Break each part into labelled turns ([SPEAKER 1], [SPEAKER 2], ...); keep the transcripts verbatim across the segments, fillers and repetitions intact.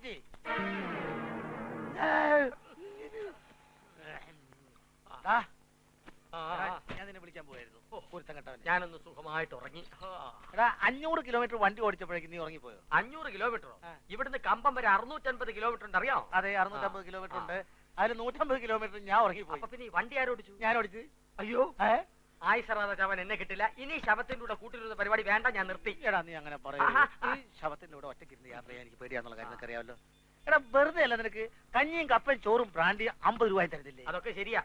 [SPEAKER 1] മാറ്റി. ഞാൻ നിന്നെ വിളിക്കാൻ പോയായിരുന്നു.
[SPEAKER 2] ഞാനൊന്ന് സുഖമായിട്ട് ഉറങ്ങി.
[SPEAKER 1] എടാ അഞ്ഞൂറ് കിലോമീറ്റർ വണ്ടി ഓടിച്ചപ്പോഴേക്കും നീ ഉറങ്ങിപ്പോയോ?
[SPEAKER 2] അഞ്ഞൂറ് കിലോമീറ്ററോ? ഇവിടുന്ന് കമ്പം വരെ അറുന്നൂറ്റമ്പത് കിലോമീറ്റർ ഉണ്ട്, അറിയാം?
[SPEAKER 1] അതെ, അറുന്നൂറ്റമ്പത് കിലോമീറ്റർ ഉണ്ട്. അതിൽ നൂറ്റമ്പത് കിലോമീറ്റർ ഞാൻ ഉറങ്ങിപ്പോയി.
[SPEAKER 2] അപ്പൊ പിന്നെ ഈ വണ്ടി ആരോടിച്ചു?
[SPEAKER 1] ഞാൻ ഓടിച്ചു.
[SPEAKER 2] അയ്യോ, ആയിസറാതെ ശവൻ എന്നെ കിട്ടില്ല. ഇനി ശവത്തിന്റെ കൂടെ കൂട്ടിരുന്ന പരിപാടി വേണ്ട, ഞാൻ നിർത്തി.
[SPEAKER 1] എടാ നീ അങ്ങനെ പറയൂ. ഈ ശവത്തിന്റെ കൂടെ ഒറ്റയ്ക്കിരുന്ന് യാത്ര ചെയ്യാൻ എനിക്ക് പേടിയാന്നുള്ള കാര്യം നിനക്ക് അറിയാമല്ലോ. എടാ വെറുതെ അല്ല, നിനക്ക് കഞ്ഞിയും കപ്പയും ചോറും ബ്രാൻഡിയും അമ്പത് രൂപ തരുന്നില്ലേ?
[SPEAKER 2] അതൊക്കെ ശരിയാ.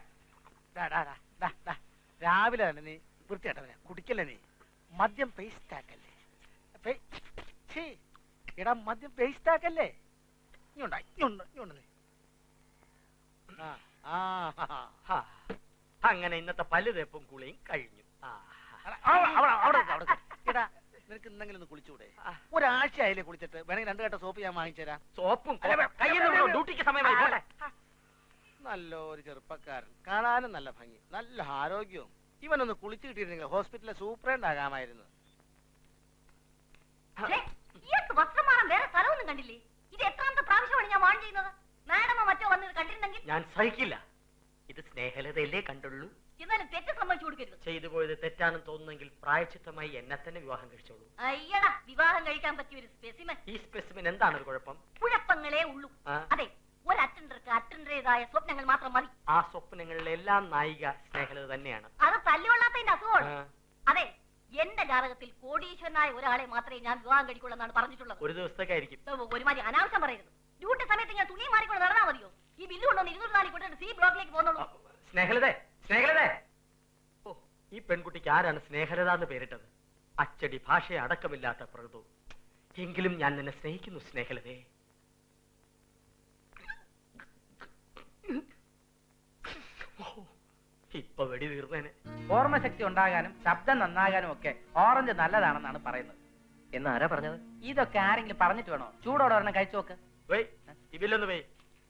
[SPEAKER 1] രാവിലെ തന്നെ നീ വൃത്തിയായിട്ടവനെ കുടിക്കല്ലേ? നീ മദ്യം പേസ്റ്റ് ആക്കല്ലേ? എടാ മദ്യം പേസ്റ്റ് ആക്കല്ലേ?
[SPEAKER 2] അങ്ങനെ ഇന്നത്തെ പല്ല് തേപ്പും കുളിയും കഴിഞ്ഞു.
[SPEAKER 1] എടാ നിനക്ക് എന്തെങ്കിലും ഒന്ന് കുളിച്ചൂടെ? ഒരാഴ്ച ആയില്ലേ കുളിച്ചിട്ട്? വേണമെങ്കിൽ രണ്ടു കെട്ട സോപ്പ് ഞാൻ വാങ്ങിച്ചു തരാം.
[SPEAKER 2] സോപ്പും ഡ്യൂട്ടിക്ക് സമയമായി.
[SPEAKER 1] നല്ലൊരു ചെറുപ്പക്കാരൻ, കാണാനും നല്ല ഭംഗി, നല്ല ആരോഗ്യവും. ഇവനൊന്ന് കുളിച്ചു കിട്ടിയിരുന്നെങ്കിൽ ഹോസ്പിറ്റലിലെ സൂപ്രണ്ട് ആകാമായിരുന്നു.
[SPEAKER 3] വേറെ സ്ഥലമൊന്നും കണ്ടില്ലേ? ഇത് എത്രാമത്തെ പ്രാവശ്യമാണ് ഞാൻ വാൺ ചെയ്യുന്നത്? മാഡമോ മറ്റോ വന്നത് കണ്ടിരുന്നെങ്കിൽ
[SPEAKER 2] ഞാൻ സഹിക്കില്ല. ഇത് സ്നേഹലതയല്ലേ കണ്ടുള്ളൂ.
[SPEAKER 3] എന്നാലും തെറ്റ് സമ്മതിച്ചു കൊടുക്കരുത്.
[SPEAKER 2] ചെയ്തു പോയത് തെറ്റാണെന്ന് തോന്നുന്നെങ്കിൽ പ്രായച്ചിത്തമായി എന്നെ തന്നെ വിവാഹം കഴിച്ചോളൂ.
[SPEAKER 3] അയ്യടാ, വിവാഹം കഴിക്കാൻ പറ്റിയ ഒരു സ്പെസിമൻ.
[SPEAKER 2] ഈ സ്പെസിമൻ എന്താണ് ഒരു കുഴപ്പം?
[SPEAKER 3] കുഴപ്പങ്ങളേ ഉള്ളൂ. അതെ, ഒരു അറ്റൻഡർക്ക് അറ്റൻഡറേതായ സ്വപ്നങ്ങൾ മാത്രം മതി.
[SPEAKER 2] ആ സ്വപ്നങ്ങളിലെല്ലാം നായിക സ്നേഹലത തന്നെയാണ്.
[SPEAKER 3] അത് തല്ലുകൊള്ളാത്തതിന്റെ അസുഖമാണ്. അതെ, എന്റെ ജാതകത്തിൽ കോടീശ്വരനായ ഒരാളെ മാത്രമേ ഞാൻ വിവാഹം കഴിക്കുള്ളൂ എന്നാണ് പറഞ്ഞിട്ടുള്ളത്.
[SPEAKER 2] ഒരു ദിവസത്തേക്കായിരിക്കും.
[SPEAKER 3] ഒരുമാതിരി അനാവശ്യം പറയരുത്. ഡ്യൂട്ടി സമയത്ത് ഞാൻ തുണി മാറിക്കൊണ്ട് നടന്നാൽ മതിയോ? ഈ ബില്ല് കൊണ്ടൊന്ന് ഇരുന്നൂറ് നാല് കൊണ്ടിട്ട് സി ബ്ലോക്കിലേക്ക് പോകുന്നുള്ളൂ.
[SPEAKER 2] സ്നേഹലതേ, സ്നേഹലതേ. ഓ, ഈ പെൺകുട്ടിക്ക് ആരാണ് സ്നേഹലത എന്ന് പേരിട്ടത്? അച്ചടി ഭാഷയെ അടക്കമില്ലാത്ത പ്രകൃതം. എങ്കിലും ഞാൻ നിന്നെ സ്നേഹിക്കുന്നു സ്നേഹലതേ. ഇപ്പൊ വെടി തീർന്നേനെ.
[SPEAKER 4] ഓർമ്മശക്തി ഉണ്ടാകാനും ശബ്ദം നന്നാകാനും ഒക്കെ ഓറഞ്ച് നല്ലതാണെന്നാണ് പറയുന്നത്.
[SPEAKER 2] എന്നാരാ പറഞ്ഞത്?
[SPEAKER 4] ഇതൊക്കെ ആരെങ്കിലും പറഞ്ഞിട്ട് വേണോ? ചൂടോടെ ഒരെണ്ണം കഴിച്ചു നോക്ക്.
[SPEAKER 2] ഇതിലൊന്ന് പോയി.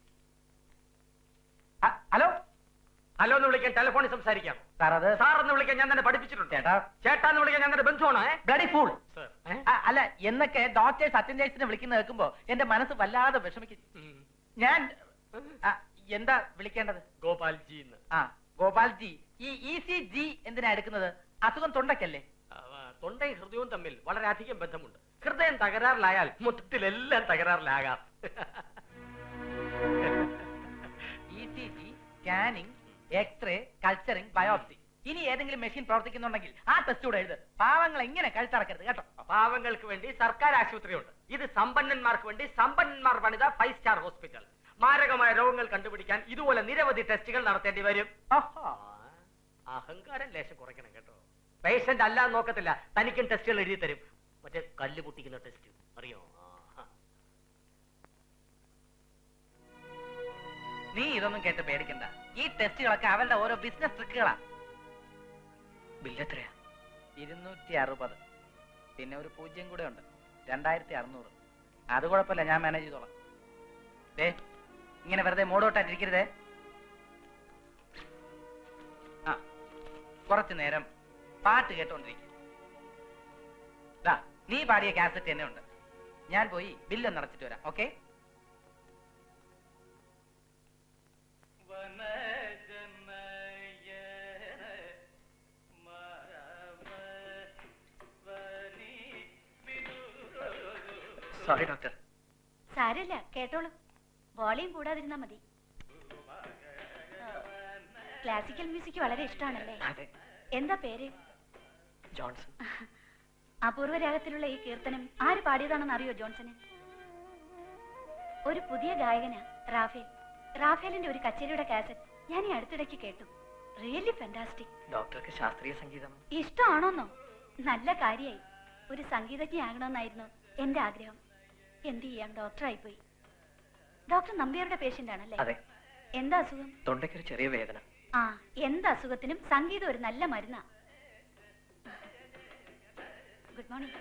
[SPEAKER 4] ഹലോ
[SPEAKER 2] ഹലോ എന്ന് വിളിക്കാൻ ടെലിഫോണിൽ സംസാരിക്കാം.
[SPEAKER 4] സാർ, അത്
[SPEAKER 2] സാർ എന്ന് വിളിക്കാൻ ഞാൻ തന്നെ പഠിപ്പിച്ചിട്ടുണ്ട്.
[SPEAKER 4] ചേട്ടാ,
[SPEAKER 2] ചേട്ടാന്ന് വിളിക്കാൻ ഞാൻ തന്നെ ബന്ധുവാണോ?
[SPEAKER 4] Bloody fool. അല്ല, എന്നൊക്കെ ഡോക്ടേഴ്സ് അറ്റൻഡേഴ്സിനെ വിളിക്കുന്ന കേൾക്കുമ്പോ എന്റെ മനസ്സ് വല്ലാതെ വിഷമിക്കും. ഞാൻ എന്താ വിളിക്കേണ്ടത്?
[SPEAKER 2] ഗോപാൽജി.
[SPEAKER 4] ആ, ഗോപാൽജി. ഈ ഇ സി ജി എന്തിനാ എടുക്കുന്നത്? അസുഖം തൊണ്ടയ്ക്കല്ലേ?
[SPEAKER 2] തൊണ്ടയും ഹൃദയവും തമ്മിൽ വളരെയധികം ബന്ധമുണ്ട്. ഹൃദയം തകരാറിലായാൽ മൊത്തത്തിലെല്ലാം തകരാറിലാകാം.
[SPEAKER 4] E C G, scanning, X-ray, culturing, biopsy. ഇനി ഏതെങ്കിലും മെഷീൻ പ്രവർത്തിക്കുന്നുണ്ടെങ്കിൽ ആ ടെസ്റ്റ് കൂടെ എഴുത്. പാവങ്ങൾ എങ്ങനെ കഴുത്തറക്കരുത് കേട്ടോ.
[SPEAKER 2] പാവങ്ങൾക്ക് വേണ്ടി സർക്കാർ ആശുപത്രിയുണ്ട്. ഇത് സമ്പന്നന്മാർക്ക് വേണ്ടി സമ്പന്നന്മാർ പണിത ഫൈവ് സ്റ്റാർ ഹോസ്പിറ്റൽ. മാരകമായ രോഗങ്ങൾ കണ്ടുപിടിക്കാൻ ഇതുപോലെ നിരവധി ടെസ്റ്റുകൾ നടത്തേണ്ടി വരും. അഹങ്കാരം ലേശം കുറയ്ക്കണം കേട്ടോ. പേഷ്യന്റ് അല്ല നോക്കത്തില്ല, തനിക്കും ടെസ്റ്റുകൾ എഴുതി തരും. മറ്റേ കല്ല് പൊട്ടിക്കുന്ന ടെസ്റ്റ് അറിയോ?
[SPEAKER 4] നീ ഇതൊന്നും കേട്ട് പേടിക്കണ്ട. ഈ ടെസ്റ്റുകളൊക്കെ അവരുടെ ഓരോ ബിസിനസ് ട്രിക്കുകളാ.
[SPEAKER 2] ബില്ല് എത്രയാ?
[SPEAKER 4] ഇരുന്നൂറ്റി അറുപത്. പിന്നെ ഒരു പൂജ്യം കൂടെ ഉണ്ട്, രണ്ടായിരത്തി അറുന്നൂറ്. അത് കുഴപ്പമില്ല, ഞാൻ മാനേജ് ചെയ്തോളാം. ദേ, ഇങ്ങനെ വെറുതെ മൂടോട്ടായിട്ടിരിക്കരുതേ. ആ, കുറച്ചു നേരം പാട്ട് കേട്ടോണ്ടിരിക്കും. നീ പാടിയ കാസറ്റ് തന്നെ ഉണ്ട്. ഞാൻ പോയി ബില്ലൊന്ന് അടച്ചിട്ട് വരാം. ഓക്കെ?
[SPEAKER 2] Sorry doctor.
[SPEAKER 3] സാരമില്ല, കേട്ടോളൂ. വോളിയം കൂടാതിരുന്നാ മതി. ക്ലാസിക്കൽ മ്യൂസിക് വളരെ ഇഷ്ടമാണല്ലേ? എന്താ പേര്?
[SPEAKER 2] ജോൺസൺ.
[SPEAKER 3] അപൂർവ രാഗത്തിലുള്ള ഈ കീർത്തനം ആര് പാടിയതാണെന്ന് അറിയോ ജോൺസന്? ഒരു പുതിയ ഗായകനാ, റാഫേൽ. റാഫേലിന്റെ ഒരു കച്ചേരിയുടെ കാസറ്റ് ഞാൻ ഈ അടുത്തിടയ്ക്ക് കേട്ടു. Really fantastic.
[SPEAKER 2] ഡോക്ടർക്ക് ശാസ്ത്രീയ സംഗീതം
[SPEAKER 3] ഇഷ്ടമാണോന്നോ? നല്ല കാര്യായി. ഒരു സംഗീതജ്ഞയാകണമെന്നായിരുന്നു എന്റെ ആഗ്രഹം. എന്ത് ചെയ്യാം, ഡോക്ടറായി പോയി. ഡോക്ടർ നമ്പ്യാരുടെ പേഷ്യന്റ് ആണല്ലേ?
[SPEAKER 2] അതെ.
[SPEAKER 3] എന്താ അസുഖം?
[SPEAKER 2] തൊണ്ടയ്ക്കൊരു ചെറിയ വേദന.
[SPEAKER 3] ആ, എന്ത് അസുഖത്തിനും സംഗീതം ഒരു നല്ല മരുന്നാ. Good morning.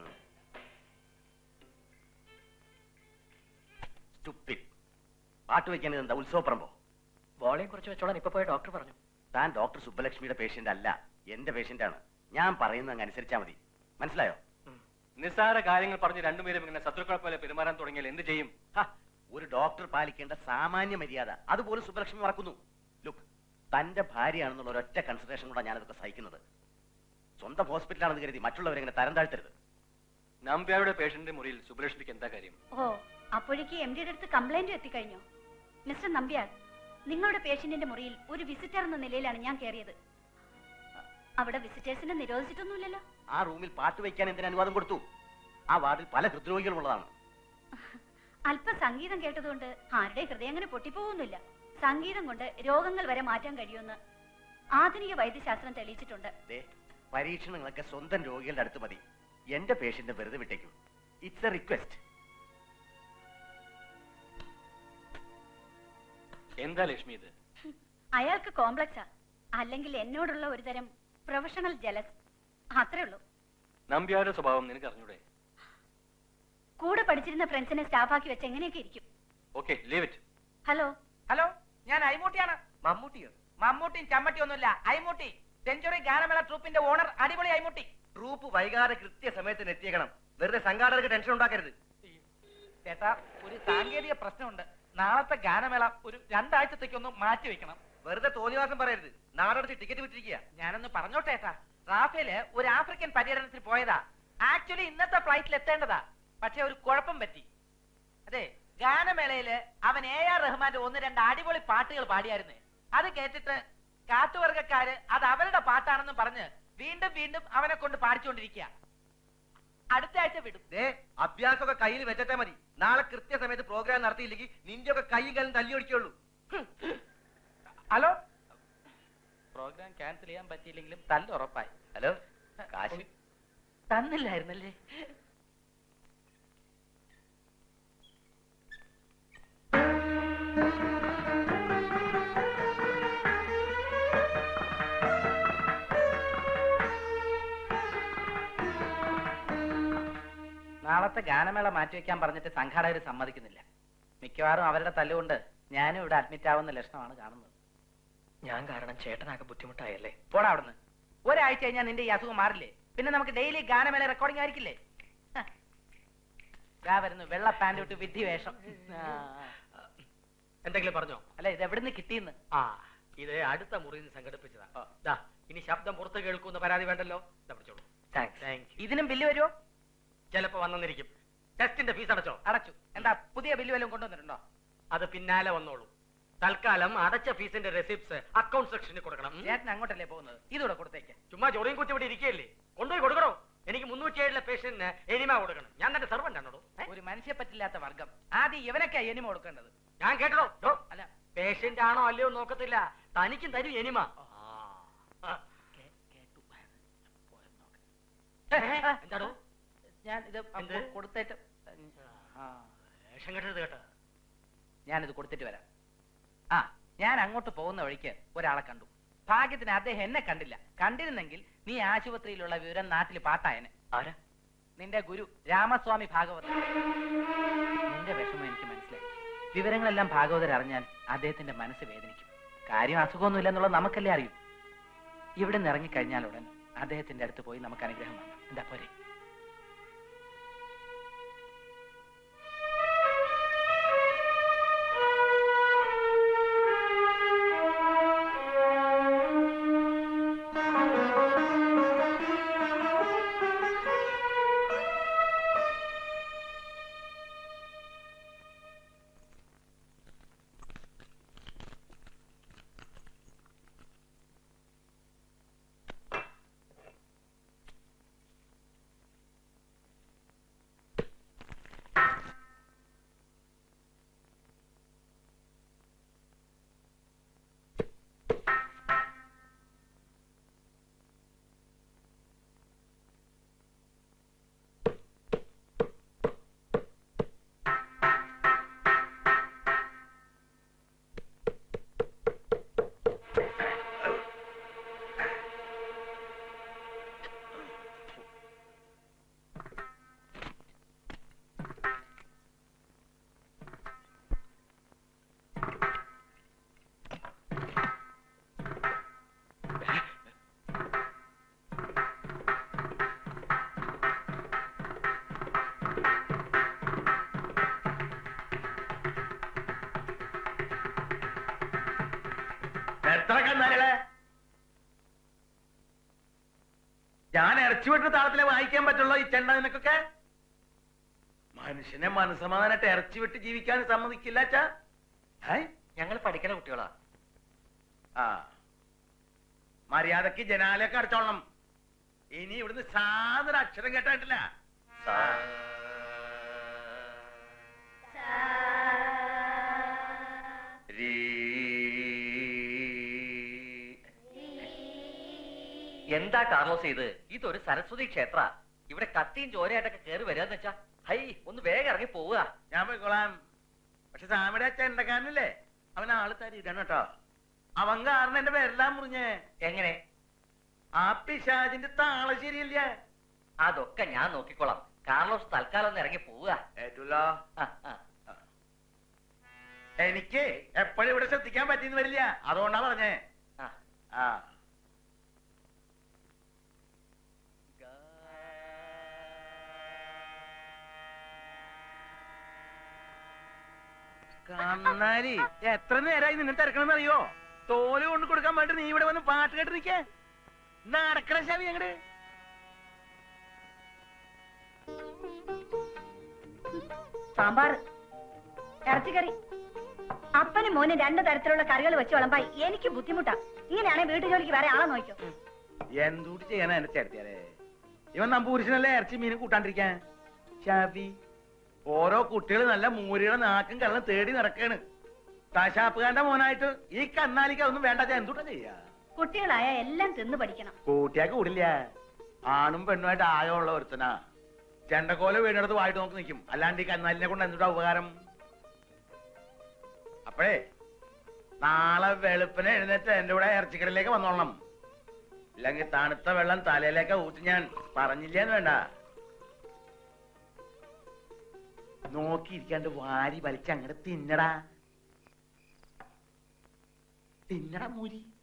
[SPEAKER 5] പാട്ട് വെക്കാൻ എന്താ ഉത്സവപ്പറമ്പോ?
[SPEAKER 2] വോളിയം കുറച്ച് വെച്ചോളാൻ ഇപ്പൊ പോയ ഡോക്ടർ പറഞ്ഞു.
[SPEAKER 5] താൻ ഡോക്ടർ സുബ്ബലക്ഷ്മിയുടെ പേഷ്യന്റ് അല്ല, എന്റെ പേഷ്യന്റ് ആണ്. ഞാൻ പറയുന്നത് അങ്ങ് അനുസരിച്ചാ മതി. മനസ്സിലായോ?
[SPEAKER 6] നിസ്സാര കാര്യങ്ങൾ പറഞ്ഞ് രണ്ടുപേരും ഇങ്ങനെ ശത്രുക്കളെ പോലെ പെരുമാറാൻ തുടങ്ങിയാൽ എന്ത് ചെയ്യും?
[SPEAKER 5] ഒരു ഡോക്ടർ പാലിക്കേണ്ട സാമാന്യ മര്യാദ അതുപോലും സുബ്ബലക്ഷ്മി മറക്കുന്നു. ലുക്ക്, തന്റെ ഭാര്യയാണെന്നുള്ള ഒരൊറ്റ കൺസിഡറേഷൻ കൊണ്ടാണ് ഞാനതൊക്കെ സഹിക്കുന്നത്. സ്വന്തം ഹോസ്പിറ്റലാണെന്ന് കരുതി മറ്റുള്ളവരെ ഇങ്ങനെ തരം താഴ്ത്തരുത്.
[SPEAKER 6] നമ്പ്യാരുടെ പേഷ്യന്റിന്റെ മുറിയിൽ സുബ്ബലക്ഷ്മിക്ക് എന്താ കാര്യം?
[SPEAKER 3] ഓ, അപ്പോഴേക്ക് എം ഡിയുടെ അടുത്ത് കംപ്ലൈന്റ് എത്തിക്കഴിഞ്ഞോ? മിസ്റ്റർ നമ്പ്യാർ, നിങ്ങളുടെ പേഷ്യന്റിന്റെ മുറിയിൽ ഒരു വിസിറ്റർ എന്ന നിലയിലാണ് ഞാൻ കയറിയത്. അവിടെ വിസിറ്റേഴ്സിനെ നിരോധിച്ചിട്ടൊന്നുമില്ലല്ലോ.
[SPEAKER 5] ആ റൂമിൽ പാട്ട് വയ്ക്കാൻ എന്തിനു അനുവാദം കൊടുത്തു? ആ വാർഡിൽ പല ഹൃദ്രോഗികളും ഉള്ളതാണ്.
[SPEAKER 3] അല്പം സംഗീതം കേട്ടതുകൊണ്ട് ആരുടെ ഹൃദയം അങ്ങനെ പൊട്ടിപ്പോകുന്നില്ല. സംഗീതം കൊണ്ട് രോഗങ്ങൾ വരെ മാറ്റാൻ കഴിയുമെന്ന് ആധുനിക വൈദ്യശാസ്ത്രം തെളിയിച്ചിട്ടുണ്ട്.
[SPEAKER 5] ദേ, പരീക്ഷണങ്ങളൊക്കെ സ്വന്തം രോഗികളുടെ അടുത്ത് മതി. എന്റെ പേഷ്യന്റ് വെറുതെ വിട്ടേക്കും. It's A request.
[SPEAKER 6] എന്താ ലക്ഷ്മി ഇത്?
[SPEAKER 3] അയാൾക്ക് കോംപ്ലക്സാ, അല്ലെങ്കിൽ എന്നോടുള്ള ഒരു തരം പ്രൊഫഷണൽ ജലസ്, അത്രേ ഉള്ളൂ.
[SPEAKER 6] നമ്പ്യാരുടെ സ്വഭാവം നിനക്ക് അറിഞ്ഞൂടെ?
[SPEAKER 3] കൂടെ പഠിച്ചിരുന്ന ഫ്രണ്ട്സിനെ സ്റ്റാഫാക്കി വെച്ച് എങ്ങനെയൊക്കെ ഇരിക്കും.
[SPEAKER 6] Okay, leave it.
[SPEAKER 3] Hello
[SPEAKER 4] hello, ഞാൻ ഐമൂട്ടിയാണ്.
[SPEAKER 2] മമ്മൂട്ടിയോ?
[SPEAKER 4] മമ്മൂട്ടിയും ചമ്മട്ടിയൊന്നുമില്ല, ഐമൂട്ടി. സെഞ്ചുറി ഗാനമേള ട്രൂപ്പിന്റെ ഓണർ, അടിപൊളി ഐമൂട്ടി.
[SPEAKER 2] ട്രൂപ്പ് വൈകാതെ കൃത്യസമയത്തിന് എത്തിയേക്കണം. വെറുതെ സംഘാടകർക്ക് ടെൻഷൻ ഉണ്ടാക്കരുത്.
[SPEAKER 4] ചേട്ടാ, ഒരു സാങ്കേതിക പ്രശ്നമുണ്ട്. നാളത്തെ ഗാനമേള ഒരു രണ്ടാഴ്ചത്തേക്കൊന്ന് മാറ്റി വെക്കണം.
[SPEAKER 2] വെറുതെ തോന്നിവാസം പറയരുത്. നാടടുത്ത് ടിക്കറ്റ് വിട്ടിരിക്കുക.
[SPEAKER 4] ഞാനൊന്ന് പറഞ്ഞോട്ടെ ഏട്ടാ. റാഫേല് ഒരു ആഫ്രിക്കൻ പര്യടനത്തിൽ പോയതാ. ആക്ച്വലി ഇന്നത്തെ ഫ്ലൈറ്റിൽ എത്തേണ്ടതാ. പക്ഷെ ഒരു കുഴപ്പം പറ്റി. അതെ, ഗാനമേളയില് അവൻ എ ആർ റഹ്മാന്റെ ഒന്ന് രണ്ട് അടിപൊളി പാട്ടുകൾ പാടിയായിരുന്നേ. അത് കേട്ടിട്ട് കാട്ടുവർഗക്കാര് അത് അവരുടെ പാട്ടാണെന്ന് പറഞ്ഞ് വീണ്ടും വീണ്ടും അവനെ കൊണ്ട് പാടിച്ചുകൊണ്ടിരിക്കുക. അടുത്ത ആഴ്ച വിടും.
[SPEAKER 2] ദേ, അഭ്യാസമൊക്കെ കയ്യിൽ വെച്ചിട്ടേ മതി. നാളെ കൃത്യസമയത്ത് പ്രോഗ്രാം നടത്തിയില്ലെങ്കിൽ നിന്റെ ഒക്കെ കൈ കാലം തല്ലി ഒടിക്കുള്ളൂ.
[SPEAKER 4] ഹലോ, പ്രോഗ്രാം ക്യാൻസൽ ചെയ്യാൻ പറ്റിയില്ലെങ്കിലും തല്ല ഉറപ്പായി.
[SPEAKER 5] ഹലോ, കാശ്
[SPEAKER 4] തന്നില്ലായിരുന്നല്ലേ? നാളത്തെ ഗാനമേള മാറ്റിവെക്കാൻ പറഞ്ഞിട്ട് സംഘാടകർ സമ്മതിക്കുന്നില്ല. മിക്കവാറും അവരുടെ തല്ലുകൊണ്ട് ഞാനും ഇവിടെ അഡ്മിറ്റ് ആവുന്ന ലക്ഷണമാണ് കാണുന്നത്.
[SPEAKER 2] ഞാൻ കാരണം ചേട്ടനാകെ ബുദ്ധിമുട്ടായല്ലേ?
[SPEAKER 4] പോടാ അവിടുന്ന്. ഒരാഴ്ച കഴിഞ്ഞാൽ നിന്റെ ഈ അസുഖം മാറില്ലേ? പിന്നെ നമുക്ക് ഡെയിലി ഗാനമേള റെക്കോർഡിംഗ് ആയിരിക്കില്ലേ? ഇതാ വരുന്നു വെള്ള പാന്റ് ഇട്ട് വിധി വേഷം.
[SPEAKER 2] എന്തെങ്കിലും പറഞ്ഞോ?
[SPEAKER 4] അല്ല, ഇത് എവിടുന്ന് കിട്ടിയെന്ന്?
[SPEAKER 2] ആ, ഇത് അടുത്ത മുറിയിൽ നിന്ന് സംഘടിപ്പിച്ചതാ. ദാ, ഇനി ശബ്ദം പുറത്ത് കേൾക്കുന്ന പരാതി വേണ്ടല്ലോ. ഇതാ പിടിച്ചോളൂ. താങ്ക്സ്.
[SPEAKER 4] ഇതിനും ബില്ല് വരുമോ?
[SPEAKER 2] ചിലപ്പോ വന്നിരിക്കും. ടെസ്റ്റിന്റെ ഫീസ് അടച്ചോ?
[SPEAKER 4] അടച്ചു. എന്താ പുതിയ ബില്ല് വല്ലതും കൊണ്ടുവന്നിട്ടുണ്ടോ?
[SPEAKER 2] അത് പിന്നാലെ വന്നോളൂ. തൽക്കാലം അടച്ച ഫീസിന്റെ റെസിപ്റ്റ്സ് അക്കൗണ്ട് സെക്ഷനിൽ കൊടുക്കണം.
[SPEAKER 4] ചേട്ടൻ അങ്ങോട്ടല്ലേ പോകുന്നത്? ഇതൂടെ കൊടുത്തേക്ക്.
[SPEAKER 2] ചുമ്മാ ചൊറിയും കുത്തി ഇവിടെ ഇരിക്കുകയല്ലേ? കൊണ്ടുപോയി കൊടുക്കണോ? എനിക്ക് മുന്നൂറ്റി ഏഴിലെ പേഷ്യന്റിന് എനിമ കൊടുക്കണം. ഞാൻ തന്നെ സെർവന്റ് ആണോ?
[SPEAKER 4] ഒരു മനുഷ്യ പറ്റില്ലാത്ത വർഗം. ആദ്യം ഇവനൊക്കെ എനിമ കൊടുക്കേണ്ടത്.
[SPEAKER 2] ഞാൻ കേട്ടോ?
[SPEAKER 4] അല്ല,
[SPEAKER 2] പേഷ്യന്റ് ആണോ അല്ലയോ നോക്കത്തില്ല. തനിക്കും തരും എനിമ. എന്താടോ?
[SPEAKER 4] ഞാൻ ഇത്
[SPEAKER 2] എന്ത്?
[SPEAKER 4] കൊടുത്തേറ്റ്
[SPEAKER 2] വേഷം കെട്ടരുത് കേട്ടോ.
[SPEAKER 4] ഞാനിത് കൊടുത്തിട്ട് വരാം. ആ, ഞാൻ അങ്ങോട്ട് പോകുന്ന വഴിക്ക് ഒരാളെ കണ്ടു. ഭാഗ്യത്തിന് അദ്ദേഹം എന്നെ കണ്ടില്ല. കണ്ടിരുന്നെങ്കിൽ നീ ആശുപത്രിയിലുള്ള വിവരം നാട്ടിൽ പാട്ടായനെ.
[SPEAKER 2] ആരാ?
[SPEAKER 4] നിന്റെ ഗുരു രാമസ്വാമി ഭാഗവതർ. നിന്റെ വിഷമം എനിക്ക് മനസ്സിലായി. വിവരങ്ങളെല്ലാം ഭാഗവതർ അറിഞ്ഞാൽ അദ്ദേഹത്തിന്റെ മനസ്സ് വേദനിക്കും. കാര്യം അസുഖമൊന്നുമില്ല എന്നുള്ളത് നമുക്കല്ലേ അറിയൂ. ഇവിടെ നിന്ന് ഇറങ്ങിക്കഴിഞ്ഞാൽ ഉടൻ അദ്ദേഹത്തിന്റെ അടുത്ത് പോയി നമുക്ക് അനുഗ്രഹം വേണം. എന്താ പോരെ?
[SPEAKER 7] എത്ര കന്നാലുകളെ ഞാൻ ഇറച്ചി വിട്ട് താളത്തിലെ വായിക്കാൻ പറ്റുള്ളൂ ഈ ചെണ്ട നിനക്കൊക്കെ മനുഷ്യനെ മനസ്സമാധാനായിട്ട് ഇറച്ചി വിട്ട് ജീവിക്കാൻ സമ്മതിക്കില്ല അച്ഛാ.
[SPEAKER 2] ഞങ്ങൾ പഠിക്കണ കുട്ടികളാ.
[SPEAKER 7] ആ മര്യാദക്ക് ജനാലയൊക്കെ അടച്ചോളണം. ഇനി ഇവിടുന്ന് സാധന അക്ഷരം കേട്ടായിട്ടില്ല.
[SPEAKER 2] എന്താ കാർലോസ് ഇത്? ഇതൊരു സരസ്വതി ക്ഷേത്ര. ഇവിടെ കത്തിയും ചോരയായിട്ടൊക്കെ കയറി വരാന്ന് വെച്ചാ ഹൈ ഒന്ന് വേഗം ഇറങ്ങി പോവുക.
[SPEAKER 7] ഞാൻ പോയിക്കോളാം. പക്ഷെ സാമിയുടെ അച്ഛൻ ഉണ്ടക്കാരനല്ലേ, അവൻ ആള് തരിയിടാണ് കേട്ടോ. അവൻ കാരണം എന്റെ പേരെല്ലാം മുറിഞ്ഞേ.
[SPEAKER 2] എങ്ങനെ?
[SPEAKER 7] ആ പിശാചിന്റെ താളം ശരിയല്ല.
[SPEAKER 2] അതൊക്കെ ഞാൻ നോക്കിക്കോളാം. കാർലോസ് തൽക്കാലം ഒന്ന് ഇറങ്ങി പോവുക.
[SPEAKER 7] ഏറ്റല്ലോ. എനിക്ക് എപ്പോഴും ഇവിടെ ശ്രദ്ധിക്കാൻ പറ്റിയെന്ന് വരില്ല, അതുകൊണ്ടാ പറഞ്ഞേ. ആ കന്നാലി എത്ര നേരമായി നിന്നെ തിരക്കണമെന്ന് അറിയോ? തോല് കൊണ്ട് കൊടുക്കാൻ വേണ്ടി നീ ഇവിടെ വന്ന് പാട്ട് കേട്ട് നിൽക്കേ. നടക്കണ ശവി അങ്ങട്.
[SPEAKER 3] സാമ്പാർ, ഇറച്ചിക്കറി, അപ്പനും മോനും രണ്ടു തരത്തിലുള്ള കറികൾ വെച്ച് വിളമ്പായി എനിക്ക് ബുദ്ധിമുട്ടാ. ഇങ്ങനെയാണെങ്കിൽ വീട്ടു ജോലിക്ക് വേറെ ആളെ നോക്കോ.
[SPEAKER 7] എന്തൂട്ടി ചെയ്യാനാ എന്നെ ചേർത്തിയാലേ? ഇവൻ നമ്പൂരിശനല്ലേ ഇറച്ചി മീനും കൂട്ടാണ്ടിരിക്കാൻ. ഷാബി ഓരോ കുട്ടികൾ നല്ല മൂരിയുടെ നാക്കും കള്ളം തേടി നടക്കാണ്. കശാപ്പുകാരന്റെ മോനായിട്ട് ഈ കന്നാലിക്ക് അതൊന്നും വേണ്ട. എന്തൂട്ടാ ചെയ്യാ?
[SPEAKER 3] കുട്ടികളായ എല്ലാം തിന്നു പഠിക്കണം.
[SPEAKER 7] കൂട്ടിയാ കൂടില്ല. ആണും പെണ്ണുമായിട്ട് ആയുള്ള ഒരുത്തനാ. ചെണ്ടക്കോല വീടിനടുത്ത് വായിട്ട് നോക്കി നിൽക്കും. അല്ലാണ്ട് ഈ കന്നാലിനെ കൊണ്ട് എന്തുട്ടാ ഉപകാരം? അപ്പോഴേ നാളെ വെളുപ്പിനെ എഴുന്നേറ്റ് എന്റെ കൂടെ ഇറച്ചിക്കടയിലേക്ക് വന്നോളണം. ഇല്ലെങ്കിൽ തണുത്ത വെള്ളം തലയിലേക്ക് ഊറ്റി ഞാൻ പറഞ്ഞില്ലേന്ന് വേണ്ട. നോക്കിയിരിക്കാണ്ട് വാരി വലിച്ച് അങ്ങോട്ട് തിന്നടാ. തിന്നടാ മൂരി.